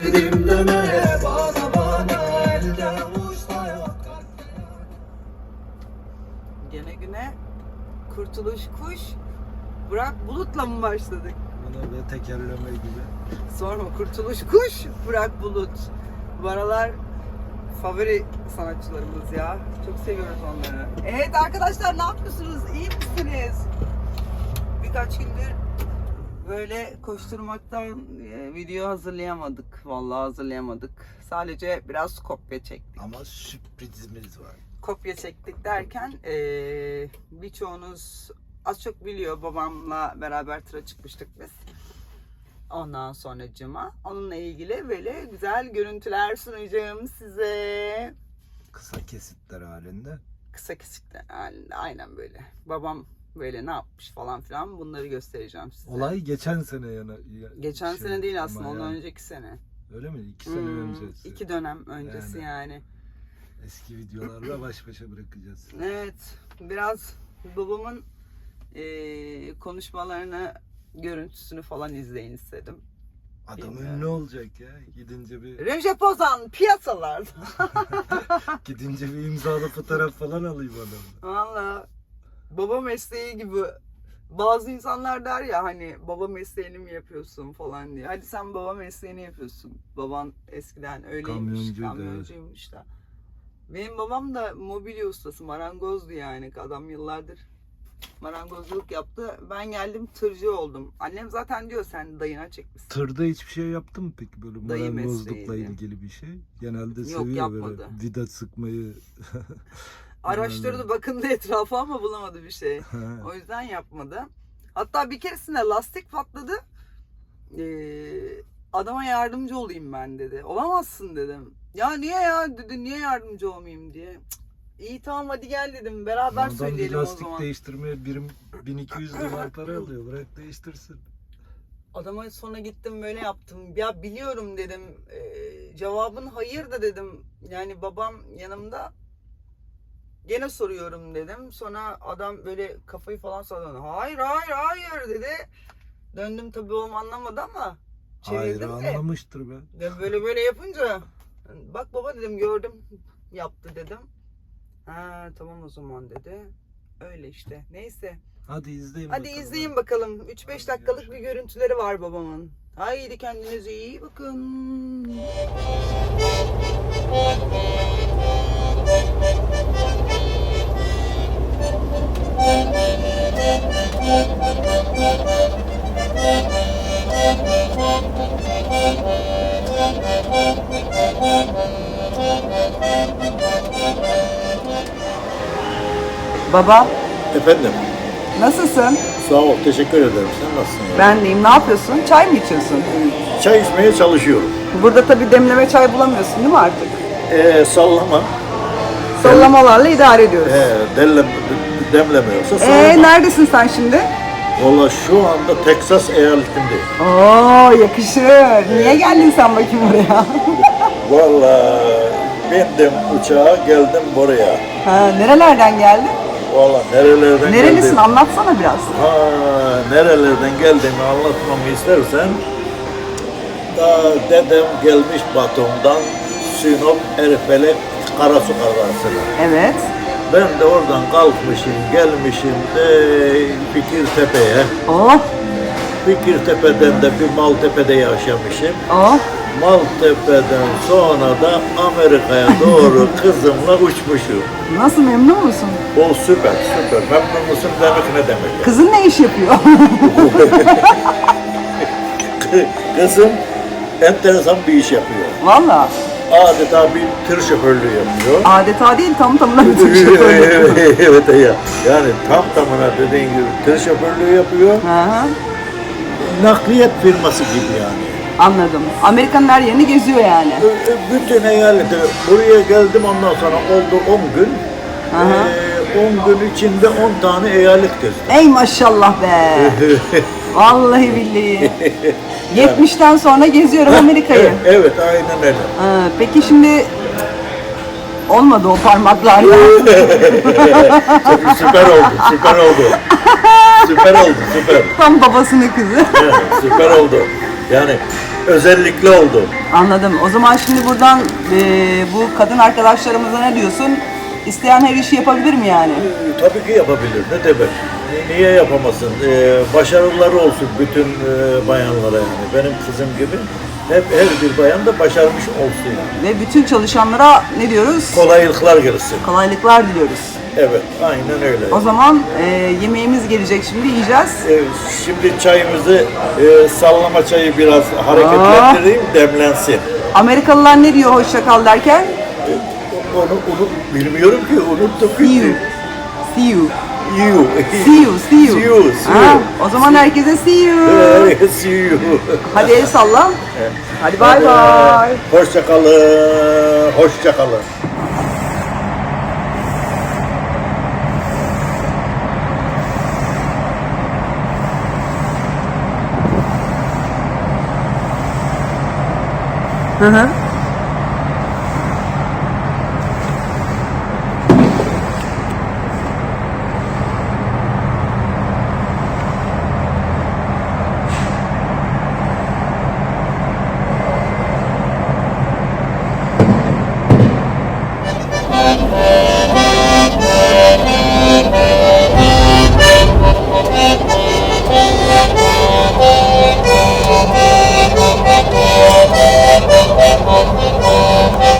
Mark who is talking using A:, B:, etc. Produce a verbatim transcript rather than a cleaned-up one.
A: Gene güne Kurtuluş Kuş Burak Bulut'la mı başladık?
B: Bana da tekerleme gibi.
A: Sorma, Kurtuluş Kuş Burak Bulut. Bu aralar favori sanatçılarımız ya. Çok seviyoruz onları. Evet arkadaşlar, ne yapıyorsunuz? İyi misiniz? Birkaç gündür böyle koşturmaktan e, video hazırlayamadık. Vallahi hazırlayamadık. Sadece biraz kopya çektik.
B: Ama sürprizimiz var.
A: Kopya çektik derken e, birçoğunuz az çok biliyor, babamla beraber tıra çıkmıştık biz. Ondan sonracığıma onunla ilgili böyle güzel görüntüler sunacağım size.
B: Kısa kesitler halinde.
A: Kısa kesikler halinde, aynen böyle. Babam böyle ne yapmış falan filan, bunları göstereceğim size.
B: Olay geçen sene yana. Ya,
A: Geçen
B: şey,
A: sene değil aslında,
B: ama
A: ondan
B: yani.
A: önceki sene.
B: Öyle mi? İki sene
A: Hmm,
B: öncesi.
A: iki dönem öncesi yani.
B: Yani. Eski videolarla baş başa bırakacağız.
A: Evet, biraz babamın e, konuşmalarını, görüntüsünü falan izleyin istedim.
B: Adam
A: Bilmiyorum.
B: ünlü olacak ya. Gidince bir
A: Recep Ozan piyasalarda.
B: gidince bir imzalı fotoğraf falan alayım adamı.
A: Valla baba mesleği gibi. Bazı insanlar der ya hani, baba mesleğini mi yapıyorsun falan diye. Hadi sen baba mesleğini yapıyorsun. Baban eskiden öyleymiş,
B: Kamyoncuydu,
A: kamyoncuymuş da. Benim babam da mobilya ustası, marangozdu yani. Adam yıllardır marangozluk yaptı. Ben geldim, tırcı oldum. Annem zaten diyor sen dayına çekmişsin.
B: Tırda hiçbir şey yaptın mı peki, böyle
A: Dayı
B: marangozlukla
A: mesleğiydi.
B: ilgili bir şey? Genelde
A: Yok,
B: seviyor böyle
A: yapmadı.
B: vida sıkmayı.
A: Araştırdı, bakındı etrafa ama bulamadı bir şey. O yüzden yapmadı. Hatta bir keresinde lastik patladı. Ee, adama yardımcı olayım ben dedi. Olamazsın dedim. Ya niye ya dedi, niye yardımcı olmayayım diye. Cık, İyi tamam hadi gel dedim. Beraber
B: Adam bir
A: söyleyelim o
B: lastik
A: zaman.
B: değiştirmeye birim bin iki yüz dolar para alıyor. Bırak değiştirsin.
A: Adama sonra gittim böyle yaptım. Ya biliyorum dedim. Ee, cevabın hayır da dedim. Yani babam yanımda. Gene soruyorum dedim. Sonra adam böyle kafayı falan salladı. Hayır hayır hayır dedi. Döndüm, tabii oğlum anlamadı ama
B: Hayır,
A: çevirdim de.
B: anlamıştır be.
A: Ben böyle böyle yapınca bak baba dedim, gördüm yaptı dedim. Ha tamam o zaman dedi. Öyle işte. Neyse.
B: Hadi izleyin
A: Hadi
B: bakalım.
A: izleyin bakalım. üç beş
B: Hadi
A: dakikalık bir
B: görüşürüz.
A: görüntüleri var babamın. Haydi kendinize iyi bakın. Baba,
C: Efendim,
A: nasılsın?
C: sağ ol, teşekkür ederim. Sen nasılsın? ya?
A: Ben deyim. Ne yapıyorsun? Çay mı içiyorsun?
C: Çay içmeye çalışıyorum.
A: Burada tabii demleme çay bulamıyorsun değil mi artık?
C: Ee, sallama,
A: Sallamalarla idare ediyoruz.
C: ee, delle, demlemiyorsa sallama.
A: Ee, neredesin sen şimdi?
C: Valla şu anda Teksas eyaletindeyim.
A: Oo, yakışır. Niye geldin sen bakayım oraya?
C: Valla bindim uçağa, geldim buraya.
A: Ha, nerelerden geldin?
C: Valla nerelerden
A: Nerelisin?
C: geldim?
A: Anlatsana biraz.
C: Ha, nerelerden geldiğimi anlatmamı istersen, da dedem gelmiş Batum'dan Sinop, Erfelek, Karasu kazasına.
A: Evet.
C: Ben de oradan kalkmışım, gelmişim de Fikirtepe'ye.
A: Oh,
C: Fikirtepe'den de bir Maltepe'de yaşamışım.
A: oh.
C: Maltepe'den sonra da Amerika'ya doğru kızımla uçmuşum.
A: Nasıl, memnun musun?
C: O süper, süper. Memnun musun demek ne demek?
A: Kızın ne iş yapıyor?
C: Kızım enteresan bir iş yapıyor.
A: Valla.
C: Adeta bir tır şoförlüğü yapıyor.
A: Adeta değil, tam tamına bir tür şoförlüğü.
C: Evet ya. Yani tam tamına dediğin gibi tır şoförlüğü yapıyor.
A: Hı hı.
C: Nakliyat firması gibi yani.
A: Anladım. Amerika'nın her yerini geziyor yani.
C: Ö- ö- Bütün eyalete buraya geldim, ondan sonra oldu on gün.
A: Aha.
C: Ee, on gün içinde on tane eyalet gezdim.
A: Ey maşallah be. Vallahi billahi. yetmişten sonra geziyorum Amerika'yı.
C: Evet, aynen öyle.
A: Ha, peki şimdi olmadı o parmaklarla.
C: Süper oldu, süper oldu. Süper oldu, süper.
A: Tam babasının kızı.
C: Evet, süper oldu. Yani özellikle oldu.
A: Anladım. O zaman şimdi buradan eee, bu kadın arkadaşlarımıza ne diyorsun? İsteyen her işi yapabilir mi yani?
C: Ee, Tabii ki yapabilir. Ne demek? Ni- Niye yapamasın? Ee, başarıları olsun bütün e, bayanlara yani. Benim kızım gibi hep her bir bayan da başarmış olsun yani.
A: Ve bütün çalışanlara ne diyoruz?
C: Kolaylıklar gelsin.
A: Kolaylıklar diliyoruz.
C: Evet, aynen öyle.
A: O zaman eee, yemeğimiz gelecek, şimdi yiyeceğiz.
C: Ee, Şimdi çayımızı e, sallama çayı biraz hareketlendireyim, demlensin.
A: Amerikalılar ne diyor hoşça kal derken?
C: Onu, onu bilmiyorum ki, unuttum.
A: See you. See you.
C: You.
A: See you. See you.
C: See you, see
A: Ha,
C: you.
A: o zaman herkese see you.
C: Ee, See you.
A: Hadi el salla. Hadi bay bay.
C: Hoşça kalın. Hoşça kalın.
A: Hı hı.